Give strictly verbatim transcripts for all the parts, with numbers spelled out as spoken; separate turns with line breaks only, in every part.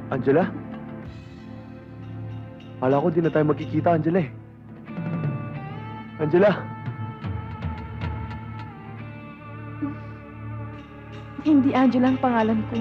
Angela? Kala ko di na tayo magkikita, Angela eh. Angela?
Hindi Angela ang pangalan ko.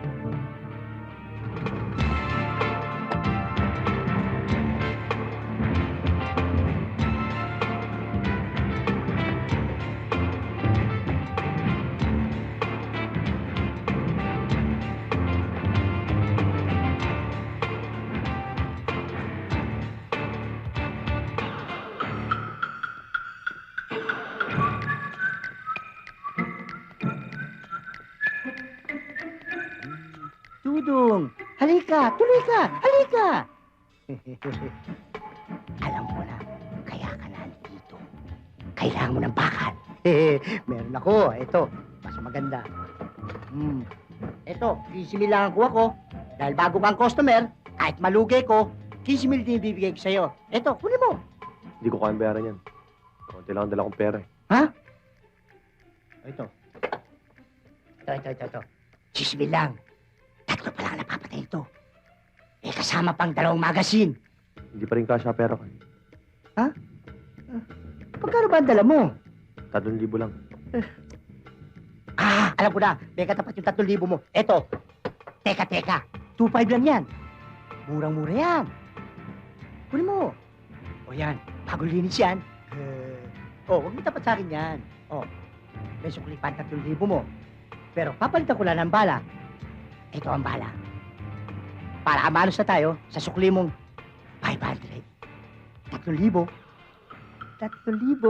Dudong, halika, tuloy ka, halika! Alam ko na, kaya ka nandito. Kailangan mo ng bakal. Meron ako, ito, mas maganda. Hmm. Ito, fifty mil lang ang kuha ko. Dahil bago kang customer, kahit malugay ko, fifty mil din bibigay ko sa'yo. Ito, kunin mo.
Hindi ko kayang bayaran yan. Konti lang ang dala kong pera eh.
Ha? Ito. Ito, ito, ito, ito. fifty mil lang. Tatlo pa lang napapatay ito. Eh, kasama pang dalawang magasin.
Hindi pa rin kasya pera ko.
Pagkano ba ang dala mo?
Tatlong libo lang.
Ah, alam ko na. May katapat yung tatlong libo mo. Eto. Teka, teka. two five lang yan. Murang-mura yan. Kunin mo. O yan. Bagong linis yan. Eh, oh, huwag mo tapat sa akin yan. Oh, may sukli pa ang tatlong libo mo. Pero papalitan ko lang ng bala. Ito ang bala. Para amanos na tayo sa sukli mong five hundred. Tatlong libo. Tatlong libo.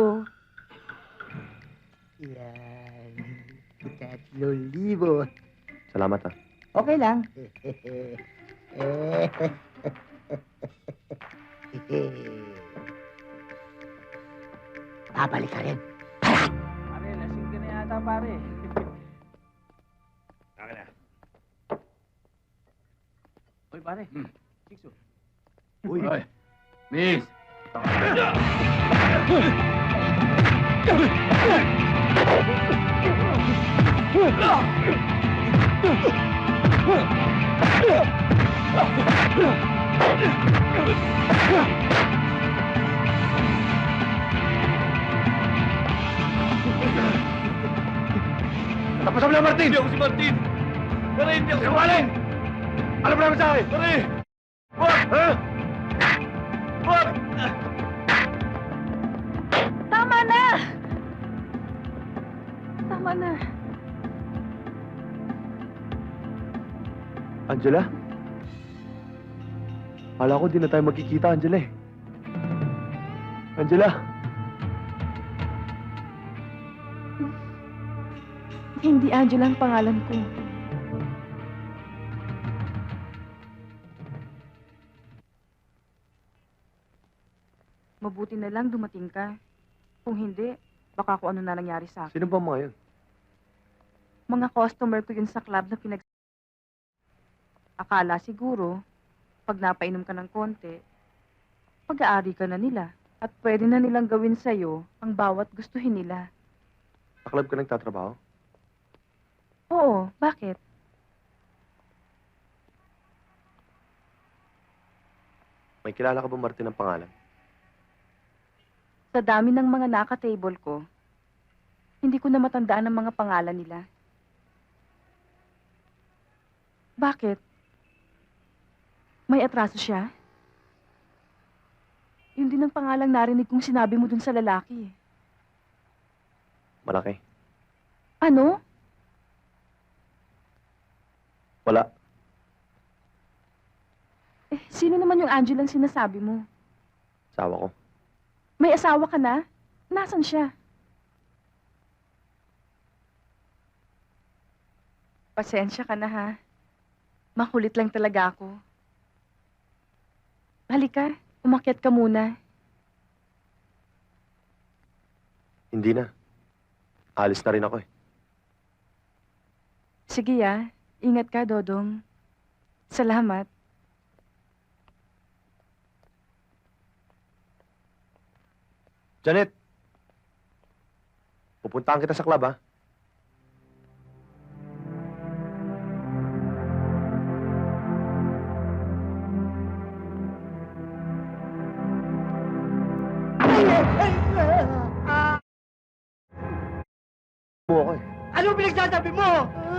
Yan. Tatlong libo.
Salamat ah.
Okay lang. Babalik ka rin. Parat!
Pare, lasing ka na yata, pare.
Akin na.
Uy, pare.
Hmm.
Sikso.
Uy. Uy. Miss.
Tapos mo na, Martin!
Hindi ako si Martin. Pare, hindi ako si Martin.
Alam mo naman sa akin!
Pare! Wag!
Ha?
Wag!
Tama na! Tama na.
Angela? Kala ko di na tayo magkikita, Angela eh. Angela?
Hindi Angela ang pangalan ko. Mabuti na lang dumating ka. Kung hindi, baka kung ano na nangyari sa akin.
Sino ba mga yun?
Mga customer ko yun sa club na pinag... Akala siguro, pag napainom ka ng konti, pag-aari ka na nila. At pwede na nilang gawin sa'yo ang bawat gustuhin nila.
Sa club ka nagtatrabaho?
Oo, bakit?
May kilala ka ba, Martin, ang pangalan?
Sa dami ng mga naka-table ko, hindi ko na matandaan ang mga pangalan nila. Bakit? May atraso siya? Yun din ang pangalang narinig kong sinabi mo dun sa lalaki.
Malaki.
Ano?
Wala.
Eh, sino naman yung Angela ang sinasabi mo?
Asawa ko.
May asawa ka na? Nasaan siya? Pasensya ka na, ha? Makulit lang talaga ako. Halika, umakyat ka muna.
Hindi na. Alis na rin ako eh.
Sige, ah. Ingat ka, Dodong. Salamat.
Janet! Pupuntahan kita sa club, ha?
Ay, ah,
Mo ako eh.
ano pinagsasabi mo?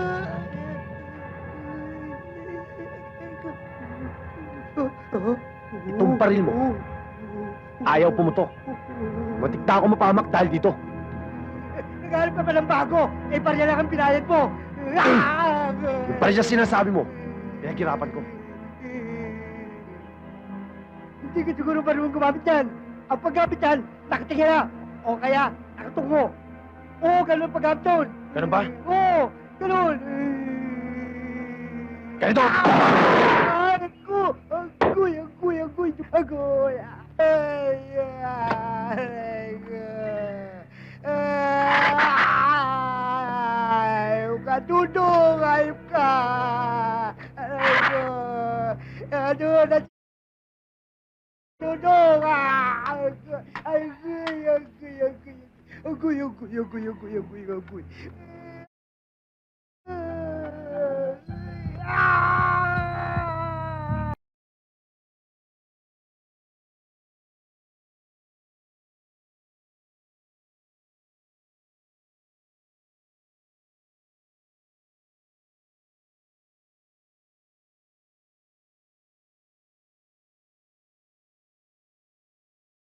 Itong baril mo, ayaw pumutok. Matigta ako mapahamak dahil dito.
Naghanap ka pa ng bago. Eh, parya lang ang pinayad mo. Ah!
Yung pala siya sinasabi mo, pinaghirapan ko.
Hindi ka siguro marunong gumamit yan. Ang paggamit yan, nakatingin na. O kaya, nakatungo. Oo, ganun ang paggamit doon.
Ganun ba?
Oo, ganun.
Ganito!
Ah, Ako! Agoy, agoy, agoy, agoy. Ay, ay, ay, kadudong, ayop ka. Ay, ko. Ano, na... Dudong, ay, agoy, agoy, agoy, agoy, agoy, agoy, agoy, agoy, agoy, agoy.